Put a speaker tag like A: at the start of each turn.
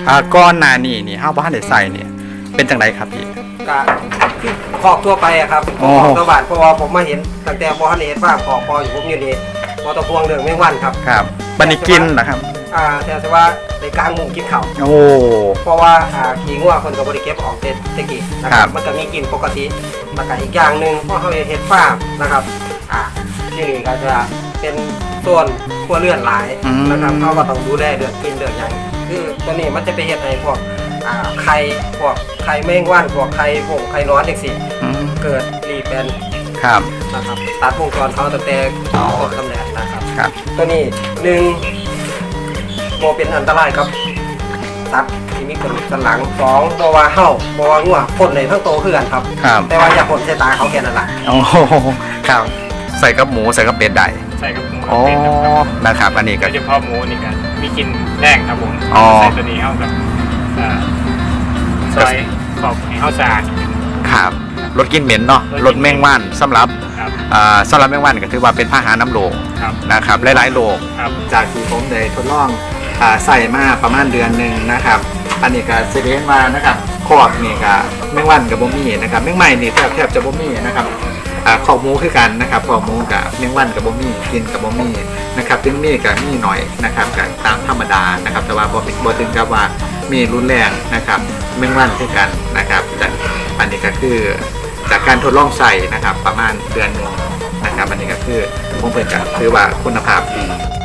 A: ก้อนหนานี่ห้าวบ้านเด็ดใส่เนี่ยเป็นจังไรครับพี่
B: ก็คือขอกทั่วไปอะครับขอกตัวบาทเพราะว่าผมมาเห็นตั้งแต่บ่ทันเห็นว่าขอกพออยู่ผมอยู่นี่บ่ต้องห่วงเรื่องแมงวันครับ
A: ครับบันนี้กินเหรอครับ
B: แต่ว่าในกลางมุงกินข้าว
A: โอ้
B: เพราะว่าขี้งัวคนกับบริเก็บออกเตกี้นะครับมันก็มีกินปกติแล้วก็อีกอย่างหนึ่งเพราะเขาเห็ดฟาร์มนะครับที่นี่ก็จะเป็นส่วนครัวเรือนหลายนะครับเขาก็ต้องดูแลเดือดกินเดือดอย่างคือตัวนี้มันจะไปเห็ดให้พวกไข่แมงวันพวกไข่นอนเด็กสิเกิดรีเป็น
A: ครับ
B: นะครับตัดวงจรเขาตั้งแต่ต้นกำเนิดนะครับตัวนี้1โมเป็นอันตรายครับตัดที่มีกระดูกสันหลัง2บ่ว่าเห่าบ่ว่างัวพ่นในทั้งโตคือกันครับแต่ว่าอย่าพ่นใส่ตาเขาแค่นั้นแหละ
A: โอ้ครับใส่กับหมูใส่กับเป็ดได้
C: ใส่กับหมู
A: โอ้นะครับอันนี้ก็
C: เฉพาะหมูนี่กันมีกินแรงครับผมใส่ตัวนี้เข้ากับซอยขอบให้เข้าสะอาด
A: ครับลดกลิ่นเหม็นเนาะลดแมงวันสำหรับแมงวันก็ถือว่าเป็นพาหะน้ำโลนะครับหลายๆโลจากที่ผมได้ทดลองใส่มาประมาณเดือนหนึ่งนะครับอันนี้ก็เซเว่นมานะครับขอบนี่ก็แมงวันกับบ่มี่นะครับแมงใหม่นี่แทบจะบ่มี่นะครับขอบหมูคือกันนะครับขอบหมูกับแมงวันกับบ่มี่กินกับบ่มี่นะครับถึงมีกับมีหน่อยนะครับกับตามธรรมดานะครับแต่ว่าบ่ถึงกับว่ามีรุนแรงนะครับแมงวันคือกันนะครับจากอันนี้ก็คือจากการทดลองใส่นะครับประมาณเดือนนึงนะครับอันนี้ก็คือผมเปิดกันคือว่าคุณภาพดี